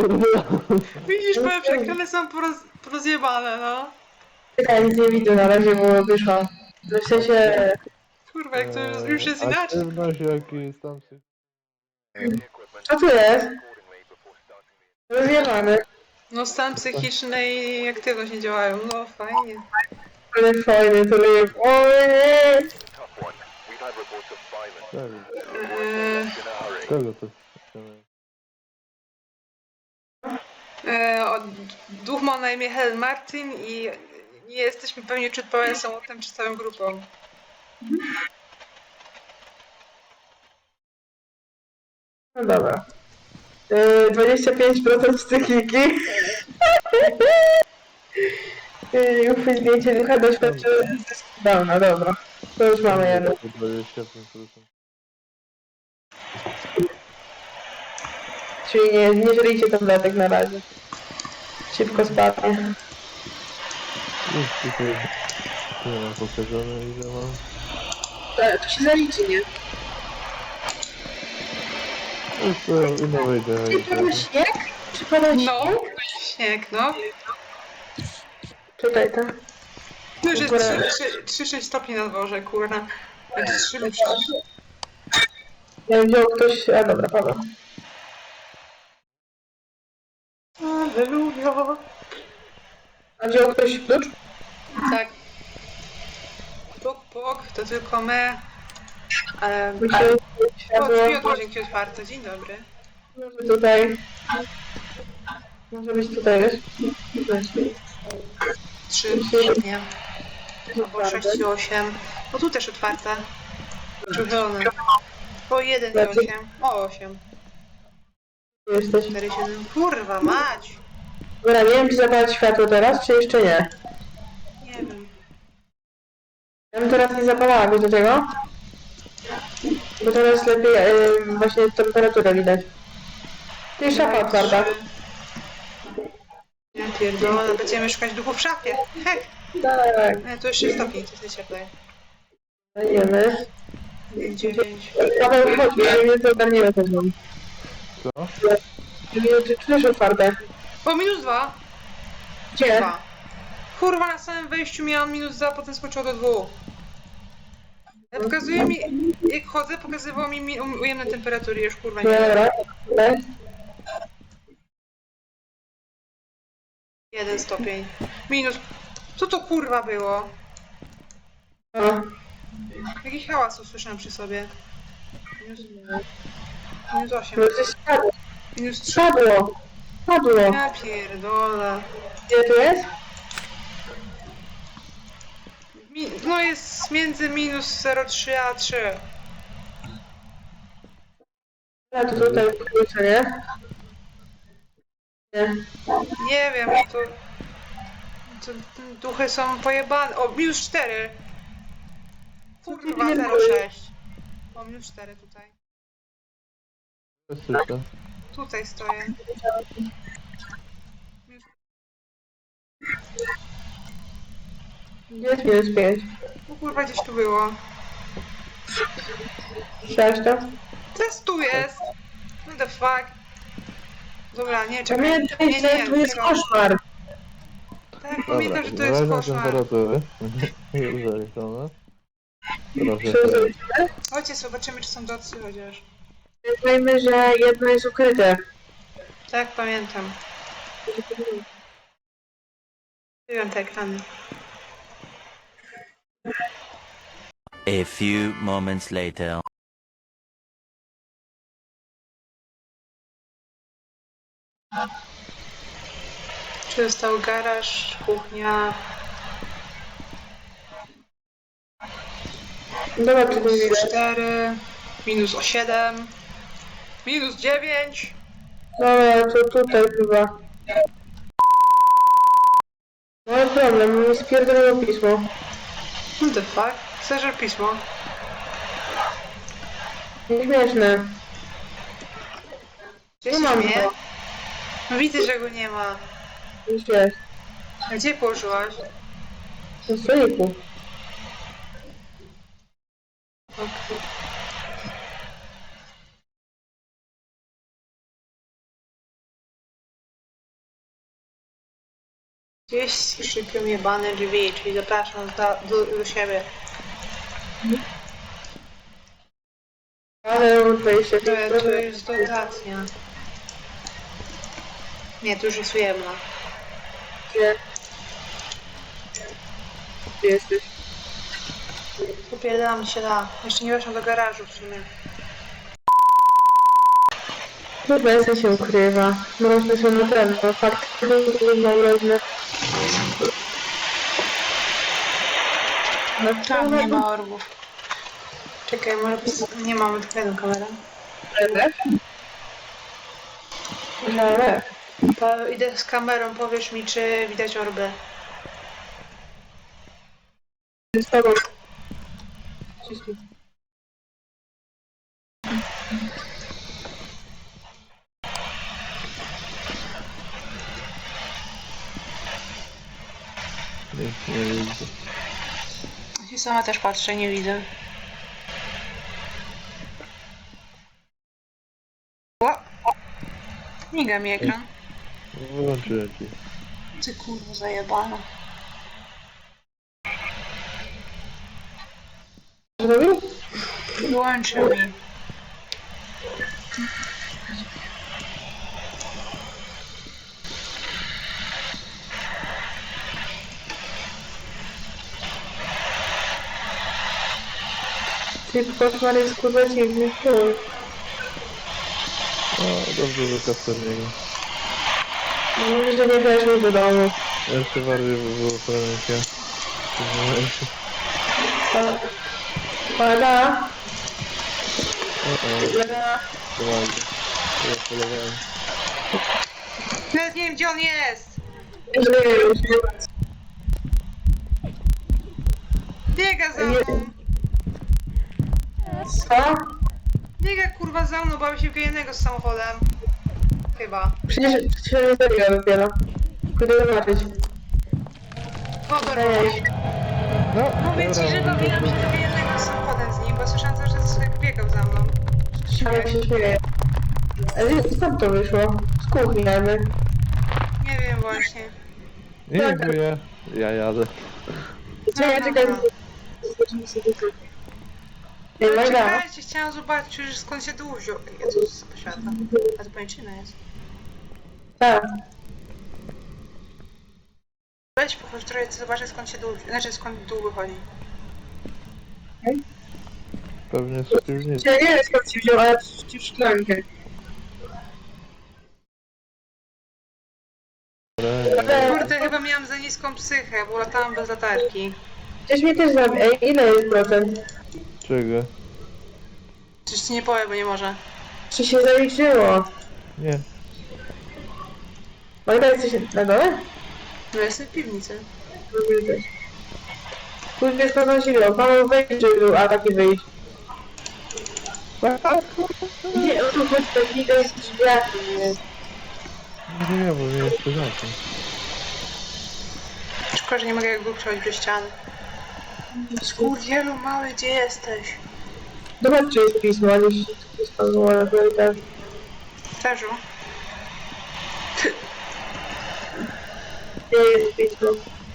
Widzisz, powiem, że ekrany są porozjebane, no. Czekaj, nic nie widzę na razie, bo wyszłam. W sensie... Kurwa, jak to już jest inaczej. Aktywność jakiś tam się... Co tu jest? Rozjebany. No stan psychiczny i aktywność nie działają, no fajnie. Ale fajny, to jest... Ojej! Czego to? Duch ma na imię Helen Martin i nie jesteśmy pewni, czy odpowiada samotnym, czy całą grupą. No dobra. 25% psychiki. Uchwyć zdjęcie ducha doświadczyły zysku downa, dobra. To już mamy jedno. 25%. Czyli nie żryjcie tabletek na razie. Szybko spadnie. Już tutaj nie mam pokazane ile mam. To się zaliczy, nie? Już to inno wejdę. Pada śnieg? Czy pada śnieg? No, śnieg, no. Czekaj, tak. No już jest 3-6 stopni na dworze, kurna. Będzie 3 Ja wziął ktoś... A dobra, pada. Alleluja. A wziął ktoś klucz? Tak. Puk, puk, to tylko my. Myślę, O, światło. drzwi od łazienki otwarte, dzień dobry. Może tutaj. Może być tutaj, wiesz? 3, nie. Albo 6 i 8. O, tu też otwarte. Czerwone. O, 1 i 8. O, 8. Jesteś. 4, 7. Kurwa, mać! Dobra, nie wiem, czy zapalać światło teraz, czy jeszcze nie. Nie wiem. Ja bym teraz nie zapalała, wiesz do czego? Bo teraz lepiej właśnie temperaturę widać. Tu jest szafa otwarta. Ja pierdolę, będziemy szukać duchów w szafie. Hek! Tak, To już 6 stopni, to jest cieplej. dajemy. 9. Paweł, chodź, żeby mnie to ogarniło też mam. Co? Czy czujesz otwarte? O, -2. Gdzie? 2. Kurwa, na samym wejściu miałam -2, potem skoczyło do 2. Pokazuje mi, jak chodzę, pokazywało mi ujemne temperatury, już kurwa nie wiem. Dobra, dobra. 1 stopień. Minus. Co to kurwa było? No. Jaki hałas usłyszałam przy sobie. Minus 8. No gdzieś spadło. Minus 3. Spadło. Spadło. Ja pierdolę. Gdzie tu jest? No jest między -0,3 a 3. A to tutaj klucze, nie? Nie. Nie wiem, to duchy są pojebane. O, -4. Kurwa, 0,6. O, -4 tutaj. Słyszę. Tutaj stoję. Gdzie jest -5? O kurwa, gdzieś tu było. Słyszałeś to? Teraz tu jest. What the fuck? Dobra, nie, czekaj. Pamiętaj, Nie, że tu jest tego. koszmar. Tak, Dobra, pamiętam, że to jest zależne koszmar. temperatury. Już zaliczone. Proszę. Przeżyliśmy. Chodźcie, zobaczymy, czy są docy chociaż. Pamiętajmy, że jedno jest ukryte. Tak, pamiętam. Wiem te ekrany. A few moments later. Czy został garaż, kuchnia. Zobacz, czy tu widać. -4, -7, -9. Dobra, to tutaj chyba. Mamy problem, mi spierdoliło pismo. What the fuck? Chcesz pismo? Nieśmieszne. Gdzie Nie się mam śmieje? go. No widzę, że go nie ma. Już jest. A gdzie położyłaś? Na stoliku. Gdzieś szypią jebane drzwi, czyli zapraszam do siebie. Ale 25 To jest dotacja. Nie, to już jest ujemna. Gdzie? Gdzie jesteś? Popierdalam się da. Jeszcze nie weszłam do garażu w sumie. Chyba się ukrywa. Mroźne są na ten, bo fakt, że są mroźne. No Tam nie ma orbów. Czekaj, może nie mamy tylko jedną kamerę. No, Idę z kamerą, powiesz mi, czy widać orby. z tobą. Nie widzę. Ja sama też patrzę, nie widzę. O! Miga mi ekran. Wyłączyłem ci. Ty kurwa zajebana. Zrobił? Wyłączył mi. Ty koszmar jest kurwa dziwny. O, dobrze, że Kasperniego. Mówisz, że nie weszłeś do domu. Jeszcze bardziej by było pamięcia. Pada. Poważnie. Ja polowałem. Nawet nie wiem, gdzie on jest! Biega za mną! Co? Biega kurwa za mną, bawi się w jednego z samochodem. Chyba. Przecież się nie zabiła dopiero. Pójdę zobaczyć. Wodor. No, Mówię ci, że bawiłam się w jednego z samochodem z nim, bo słyszałam cały czas, jak biegał za mną. Ale się śmieje. Ale skąd to wyszło? Z kuchni jakby. Nie wiem właśnie. nie, bo ja jadę. Czekaj. Nie, Magda. Czekajcie, chciałam zobaczyć, już skąd się dół wziął. Jezus, poświata. A to pajęczyna jest. Tak. Weź pochodź trochę, zobaczę skąd się dół, znaczy skąd dół wychodzi. Pewnie z piwnicy. Ja nie wiem skąd się wziął, ale ci w szklankę. Kurde, chyba miałam za niską psychę, bo latałam bez latarki. Przecież mnie też zabił. Ej, ile jest procent? Czego? Coś ci nie powiem, bo nie może. Czy się zaliczyło? Nie. Magda, jesteś na dole? No jestem w piwnicy. Pójdź skąd siłą. Paweł wejdź, żeby był atak i wyjść. Nie, o tu chodzi, tak nie jest drzwiami. Nie, bo nie jest porządku. Szkoda, że nie mogę jakby przechodzić przez ściany. Skurwielu mały, gdzie jesteś? Zobacz, czy jest pismo, a nie spadło na korytarz. Terzu? Nie jest pismo.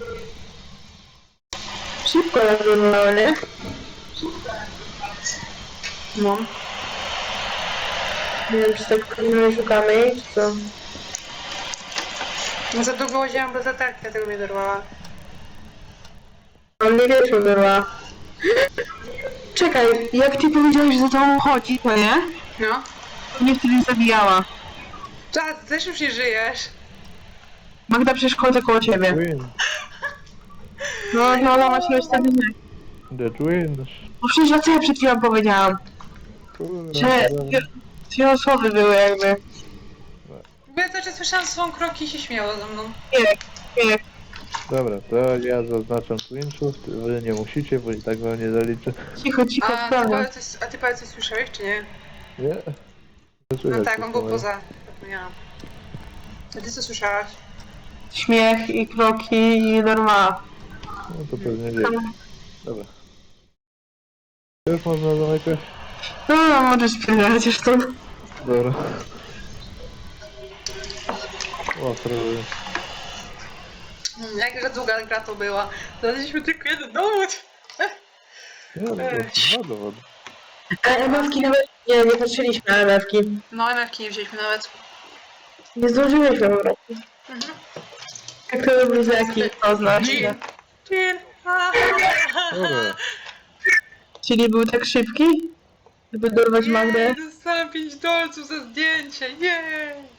Szybko nazywałem, nie? No. Nie wiem, czy tak nie szukamy jej, czy co? No za długo łaziłam bez latarki, dlatego mnie dorwała. On nie wie, co była. Czekaj, jak ty powiedziałeś, że za tobą chodzi, to nie? No. Mnie wtedy zabijała. Czas, też już nie żyjesz. Magda przecież chodzę koło ciebie. Win. No, właśnie wtedy nie. That wins. No przecież na co ja przed chwilą powiedziałam? Kurde. Że dwie osoby były jakby. Bo ja cały czas słyszałam swą kroki i się śmiało ze mną. Nie. Dobra, to ja zaznaczam Twinchów, wy nie musicie, bo i tak wam nie zaliczę. Cicho, sprawa. A ty powiedz coś słyszałeś, czy nie? Nie? Nie No słychać tak, on był tego. poza. Zapomniałam. A ty co słyszałaś? Śmiech i kroki i norma. No to pewnie dzieje. Dobra. Już można zamykać? No, możesz spierdalać już tu. Dobra. O, prawie. Jakże długa gra to była. Znaleźliśmy tylko jeden dowód. Nie, no, dwa dowody. A MF-ki nawet nie patrzyliśmy na MF-ki. No, MF-ki nie wzięliśmy nawet. Nie zdążyliśmy po prostu. Mhm. Jak to bluzaki, to znaczy. Jean. Jean. Dobra. Czyli był tak szybki, żeby dorwać Magdę. Dostałem 5 dolców za zdjęcie. Jej.